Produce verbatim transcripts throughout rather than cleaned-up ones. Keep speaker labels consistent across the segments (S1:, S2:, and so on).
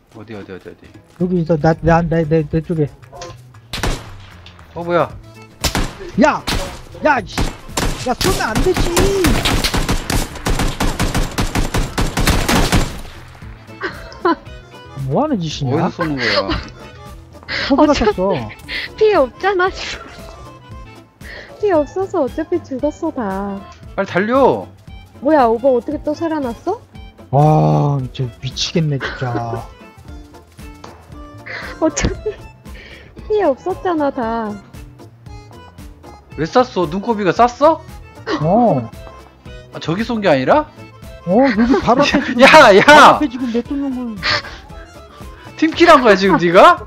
S1: 어디 어디 어디 어디.
S2: 여기 있어. 나나내내 내, 내 쪽에.
S1: 어 뭐야?
S2: 야! 야! 씨. 야 쏘면 안 되지. 뭐 하는 짓이냐?
S1: 어디서 쏘는 거야?
S2: 소비가
S3: 어차피-
S2: 쐈어.
S3: 피해 없잖아 지금. 피해 없어서 어차피 죽었어 다.
S1: 빨리 달려.
S3: 뭐야 오버 어떻게 또 살아났어?
S2: 와, 진짜 미치겠네 진짜.
S3: 어차피 피해 없었잖아 다.
S1: 왜 쐈어? 눈코비가 쐈어?
S2: 어.
S1: 아, 저기 쏜 게 아니라?
S2: 어, 여기 바로 앞에 지금.
S1: 야, 야!
S2: 바로 앞에 지금 내쫓는 걸.
S1: 팀킬한 거야 지금 네가?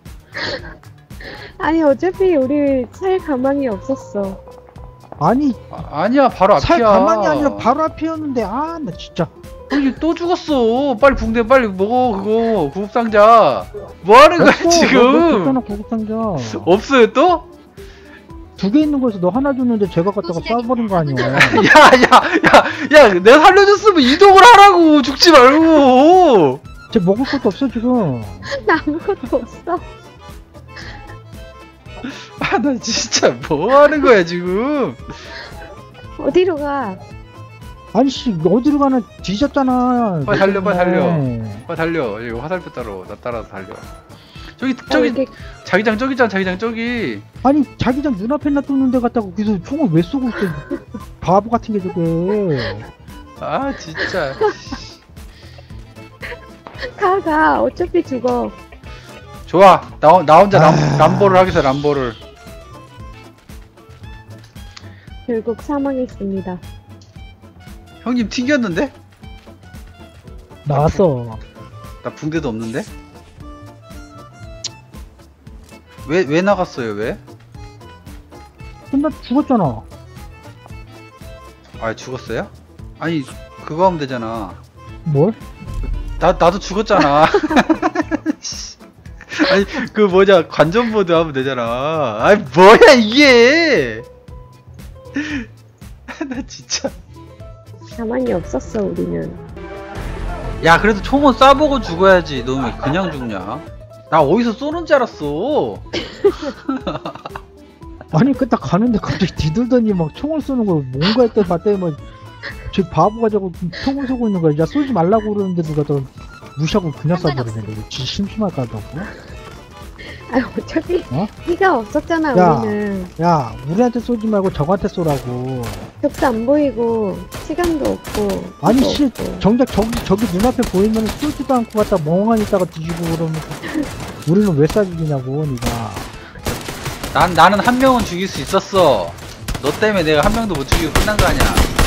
S3: 아니 어차피 우리 살 가망이 없었어.
S2: 아니,
S1: 아, 아니야 바로 앞이야.
S2: 살 가만이 아니라 바로 앞이었는데, 아, 나 진짜.
S1: 아니, 또 죽었어. 빨리 붕대 빨리 먹어 그거 구급상자. 뭐 하는 거야
S2: 없어.
S1: 지금?
S2: 너 구급상자.
S1: 없어요 또?
S2: 두 개 있는 거에서 너 하나 줬는데 제가 갖다가 쏴버린 거 아니야.
S1: 야야야야 내가 살려줬으면 이동을 하라고 죽지 말고.
S2: 쟤 먹을 것도 없어 지금.
S3: 나 아무것도 없어.
S1: 아 나 진짜 뭐 하는 거야 지금?
S3: 어디로 가?
S2: 아니 씨 어디로 가나 뒤졌잖아.
S1: 빨리 달려, 빨리 달려.
S2: 네.
S1: 빨리 달려. 여기 화살표 따로 나 따라서 달려. 저기
S3: 어,
S1: 저기
S3: 이게
S1: 자기장 저기 있잖아 자기장 저기.
S2: 아니 자기장 눈앞에 놔뒀는데 갖다가 거기서 총을 왜 쏘고 있어? 바보 같은 게 저게.
S1: 아 진짜.
S3: 가, 가. 어차피 죽어.
S1: 좋아 나, 나 혼자 람,
S2: 아.
S1: 람보를 하겠어 람보를.
S3: 결국 사망했습니다.
S1: 형님 튕겼는데?
S2: 나왔어.
S1: 나 붕대도 없는데? 왜, 왜 나갔어요, 왜?
S2: 근데 나 죽었잖아.
S1: 아, 죽었어요? 아니, 그거 하면 되잖아.
S2: 뭘?
S1: 나, 나도 죽었잖아. 아니, 그 뭐냐, 관전보드 하면 되잖아. 아니, 뭐야, 이게! 나 진짜.
S3: 가망이 없었어, 우리는.
S1: 야, 그래도 총은 쏴보고 죽어야지. 너 왜 그냥 죽냐? 나 어디서 쏘는 줄 알았어.
S2: 아니 그딱 가는데 갑자기 뒤돌더니 막 총을 쏘는 걸 뭔가 했더니 봤더니 뭐저 바보가 저거 총을 쏘고 있는 거야. 야 쏘지 말라고 그러는데 누가 또 무시하고 그냥 쏴버리네. 이거 진짜 심심할까 하다고.
S3: 아, 어차피
S2: 어?
S3: 피가 없었잖아,
S2: 야.
S3: 우리는.
S2: 야 우리한테 쏘지 말고 저한테 쏘라고.
S3: 벽도 안 보이고, 시간도 없고.
S2: 아니
S3: 필요
S2: 씨
S3: 없고.
S2: 정작 저기 저기 눈앞에 보이면 쏘지도 않고 갖다 멍하니 있다가 뒤지고 그러면 우리는 왜 쏴죽이냐고 니가.
S1: 난, 나는 한 명은 죽일 수 있었어. 너 때문에 내가 한 명도 못 죽이고 끝난 거 아니야.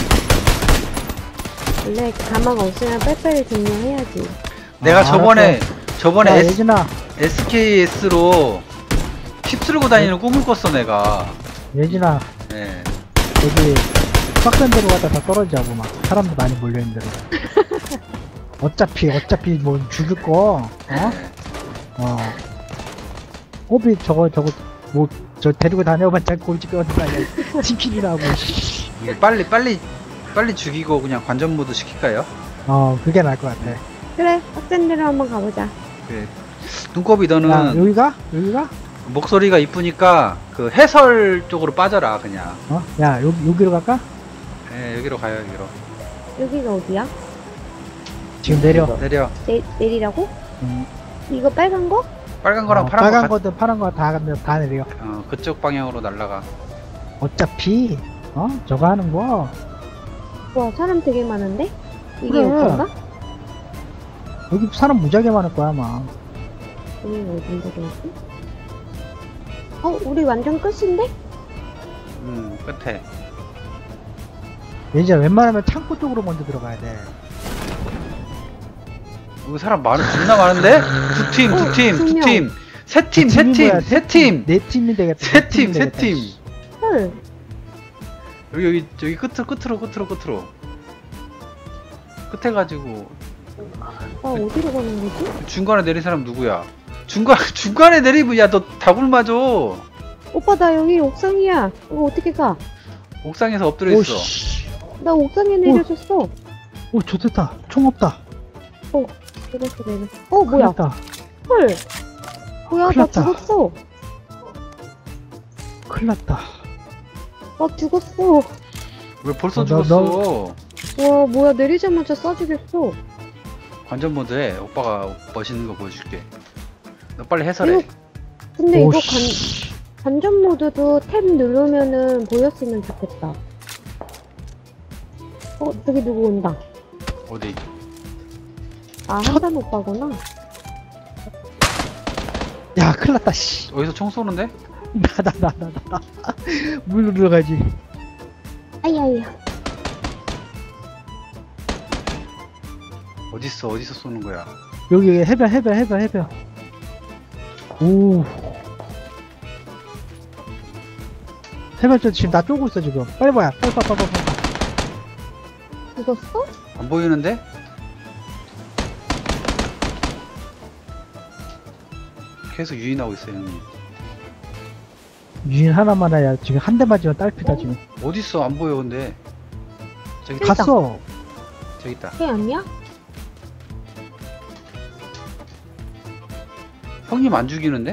S3: 원래 가망 없으면 빨리빨리 종료해야지.
S1: 내가
S2: 아,
S1: 저번에,
S2: 알았어.
S1: 저번에
S2: 야
S1: S,
S2: 예진아
S1: 에스케이에스로 칩 쓸고 다니는 꿈을 꿨어, 내가.
S2: 예진아
S1: 예.
S2: 여기 빡센 데로 갔다 다 떨어지자고 막 사람도 많이 몰려있는 데로. 어차피 어차피 뭐 죽일 거 어? 어 호비 저거 저거 뭐 저 데리고 다녀봤자 꼴찌 껴는 거 아니야. 팀킬이라고.
S1: 이거 빨리, 빨리, 빨리 죽이고 그냥 관전 모드 시킬까요?
S2: 어 그게 나을 것 같아.
S3: 그래, 빡센 데로 한번 가보자.
S1: 그래. 눈곱이 너는
S2: 야 여기가? 여기가?
S1: 목소리가 이쁘니까 그 해설 쪽으로 빠져라, 그냥.
S2: 어? 야 여기 여기로 갈까?
S1: 예, 여기로 가요, 여기로.
S3: 여기가 어디야?
S2: 지금 내려.
S1: 내려.
S3: 내, 내리라고?
S2: 음,
S3: 이거 빨간 거?
S1: 빨간 거랑
S2: 어,
S1: 파란
S2: 빨간
S1: 거.
S2: 거든 파란 거 다 다 내려.
S1: 가, 어, 그쪽 방향으로 날라가.
S2: 어차피 어 저거 하는 거
S3: 와, 사람 되게 많은데? 이게
S2: 그래.
S3: 여긴가?
S2: 여기 사람 무지하게 많을 거야 아마.
S3: 여기가 어딘데, 그랬지? 어, 우리 완전 끝인데?
S1: 음, 끝에.
S2: 이제 웬만하면 창고 쪽으로 먼저 들어가야 돼.
S1: 여기 사람 많은, 겁나 많은데? 두 팀, 두 팀, 두
S3: 명.
S1: 팀. 세 팀,
S2: 그
S1: 세
S2: 팀이
S1: 팀,
S2: 뭐야?
S1: 세 팀.
S2: 네 팀이 되겠다.
S1: 세
S2: 네
S1: 팀,
S2: 팀이
S1: 세
S2: 되겠다.
S1: 팀.
S3: 헐.
S1: 여기, 여기, 여기 끝으로, 끝으로, 끝으로, 끝으로. 끝에 가지고.
S3: 아, 어디로 가는 거지?
S1: 중간에 내린 사람 누구야? 중간, 중간에 내리면, 야, 너 다굴 맞아.
S3: 오빠, 나 여기 옥상이야. 이거 어떻게 가?
S1: 옥상에서 엎드려 있어.
S2: 오씨.
S3: 나 옥상에 내려졌어.
S2: 오 좋겠다. 총 없다.
S3: 어. 내렸어, 내렸어. 어, 뭐야?
S2: 큰일 났다.
S3: 헐. 뭐야,
S2: 큰일
S3: 나
S2: 났다.
S3: 죽었어.
S2: 큰일 났다.
S3: 나 죽었어.
S1: 왜 벌써
S2: 어, 나-
S1: 죽었어?
S3: 와, 뭐야, 내리자마자 쏴주겠어.
S1: 관전 모드에 오빠가 멋있는 거 보여줄게. 너 빨리 해설해.
S3: 이거, 근데 이거 관,
S2: 오씨.
S3: 관전 모드도 탭 누르면은 보였으면 좋겠다. 어, 저기 누구 온다.
S1: 어디?
S3: 아, 한단 오빠구나.
S2: 야, 큰일 났다, 씨.
S1: 어디서 총 쏘는데?
S2: 나, 나, 나, 나, 나. 물 들어가지.
S3: 아이아이야.
S1: 어딨어? 어디서 쏘는 거야?
S2: 여기 해변, 해변, 해변, 해변. 오. 해변 쪽 지금 나 쪼고 있어, 지금. 빨리 봐야. 빨리 봐, 빨리 봐, 빨리 봐.
S3: 죽었어?
S1: 안 보이는데? 계속 유인하고 있어요, 형님.
S2: 유인 하나만 해야 지금 한 대 맞으면 딸피다, 지금.
S1: 어딨어? 안 보여, 근데. 저기,
S3: 있다.
S2: 갔어.
S1: 저기 있다.
S3: 걔 아니야?
S1: 형님 안 죽이는데?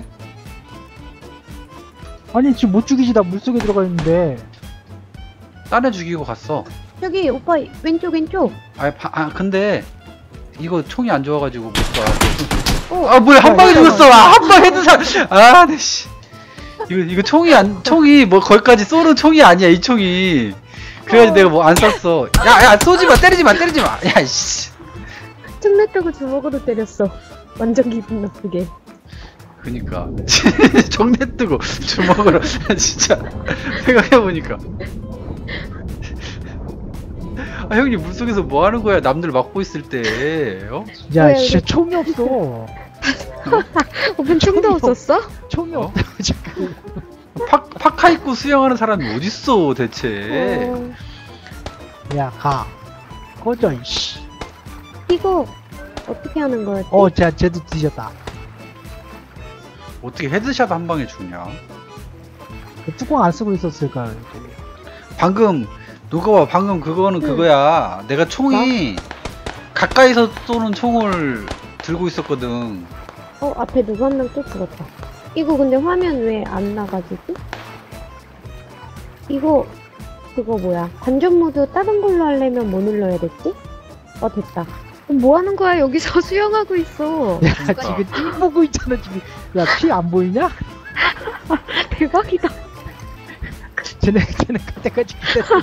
S2: 아니, 지금 못 죽이지, 나 물속에 들어가 있는데.
S1: 딴 애 죽이고 갔어.
S3: 저기, 오빠, 왼쪽, 왼쪽.
S1: 아, 아 근데 이거 총이 안 좋아가지고 못 쏴.
S3: 어,
S1: 아 뭐야 한 방에
S2: 어,
S1: 죽었어. 아, 한 방에 헤드 사. 아, 네 씨. 이거 이거 총이 안 총이 뭐 거기까지 쏘는 총이 아니야 이 총이. 그래가지고
S3: 어.
S1: 내가 뭐 안 쐈어. 야야 쏘지 마 때리지 마 때리지 마. 야 씨.
S3: 틈내 뜨고 주먹으로 때렸어. 완전 기분 나쁘게.
S1: 그니까 정내 뜨고 주먹으로 진짜 생각해보니까. 아 형님 물속에서 뭐 하는 거야? 남들 막고 있을 때. 어?
S2: 야,
S3: 왜,
S2: 진짜
S3: 왜?
S2: 총이 없어.
S3: 오빠 총도
S2: 총이
S3: 없었어?
S2: 총이
S1: 어?
S2: 없다고, 지금.
S1: 파, 파카 입고 수영하는 사람이 어딨어 대체.
S3: 어,
S2: 야, 가. 꺼져, 이씨.
S3: 이거, 어떻게 하는 거였지?
S2: 어, 자, 쟤도 뒤졌다.
S1: 어떻게 헤드샷 한 방에 죽냐?
S2: 뚜껑 안 쓰고 있었을까.
S1: 방금 누가 봐 방금 그거는
S3: 응.
S1: 그거야. 내가 총이 가까이서 쏘는 총을 들고 있었거든.
S3: 어, 앞에 누구 한 명 또 죽었다. 이거 근데 화면 왜 안 나가지지? 이거, 그거 뭐야. 관전 모드 다른 걸로 하려면 뭐 눌러야 됐지? 어, 됐다. 그럼 뭐 하는 거야? 여기서 수영하고 있어.
S2: 야,
S1: 그러니까.
S2: 지금 띵 보고 있잖아, 지금. 야, 피 안 보이냐?
S3: 대박이다.
S2: 쟤네, 쟤네 갈 때까지 기다려.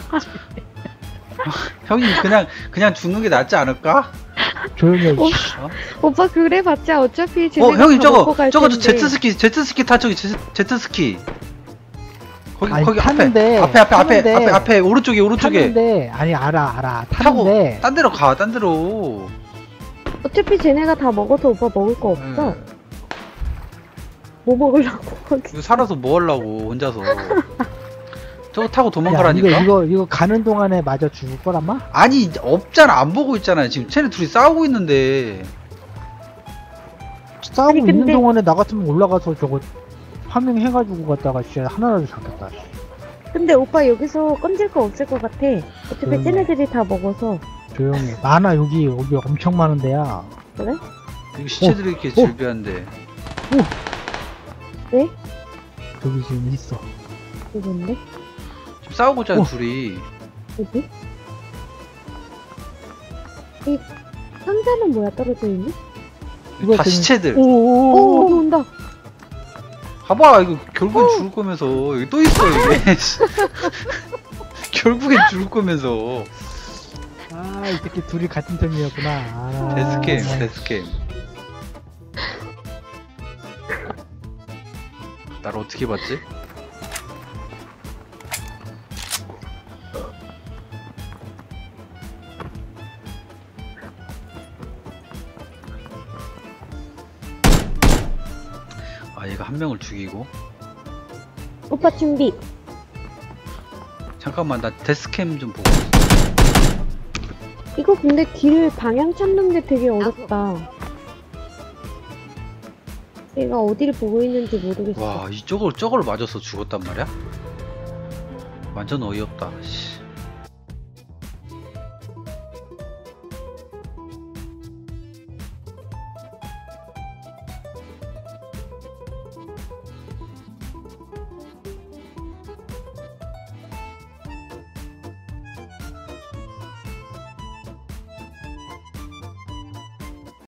S1: 형님 그냥 그냥 죽는 게 낫지 않을까?
S2: 조용히 해,
S3: 어?
S2: 이씨.
S1: 어,
S3: 오빠 그래 봤자 어차피
S1: 어
S3: 쟤네가
S1: 형님
S3: 다
S1: 저거
S3: 먹고 갈
S1: 저거 저
S3: 텐데.
S1: 제트스키 제트스키 타 저기 제, 제트스키. 거기
S2: 아니,
S1: 거기
S2: 타는데,
S1: 앞에 앞에 앞에 앞에
S2: 타는데,
S1: 앞에 앞에 오른쪽에 오른쪽에
S2: 타는데, 아니, 알아, 알아.
S1: 타고
S2: 타는데,
S1: 딴 데로 가 딴 데로.
S3: 어차피 쟤네가 다 먹어서 오빠 먹을 거 없어.
S1: 예.
S3: 뭐 먹으려고 거기.
S1: 이거 살아서 뭐 하려고 혼자서. 저거 타고
S2: 야,
S1: 도망가라니까.
S2: 이거, 이거, 이거 가는 동안에 맞아 죽을 거란마?
S1: 아니 없잖아 안 보고 있잖아 지금 쟤네 둘이 싸우고 있는데.
S2: 싸우고
S3: 아니,
S2: 있는
S3: 근데-
S2: 동안에 나 같으면 올라가서 저거 파밍 해가지고 갔다가 진짜 하나라도 잡겠다.
S3: 근데 오빠 여기서 건질 거 없을 것 같아. 어차피
S2: 음.
S3: 쟤네들이 다 먹어서.
S2: 조용히 해. 많아, 여기, 여기 엄청 많은데야.
S3: 그래?
S1: 이거 시체들이 이렇게
S2: 어.
S1: 질비한데.
S3: 네?
S2: 여기 지금 있어.
S3: 이건데?
S1: 지금 싸우고 있잖아
S2: 어.
S1: 둘이.
S3: 어디? 이 상자는 뭐야 떨어져 있니?
S2: 이거
S1: 다
S2: 지금-
S1: 시체들.
S3: 오,
S2: 오오오오.
S3: 또 온다.
S1: 봐봐 이거 결국엔
S3: 어.
S1: 죽을 거면서 여기 또 있어 이게. 결국엔 죽을 거면서.
S2: 아, 이 새끼 둘이 같은 팀이었구나. 아,
S1: 데스캠
S2: 네.
S1: 데스캠. 나를 어떻게 봤지? 아 얘가 한 명을 죽이고.
S3: 오빠 준비.
S1: 잠깐만 나 데스캠 좀 보고 있어.
S3: 이거 근데 길 방향 찾는 게 되게 어렵다. 얘가 어디를 보고 있는지 모르겠어.
S1: 와 이쪽을 저걸 맞아서 죽었단 말이야? 완전 어이없다. 씨.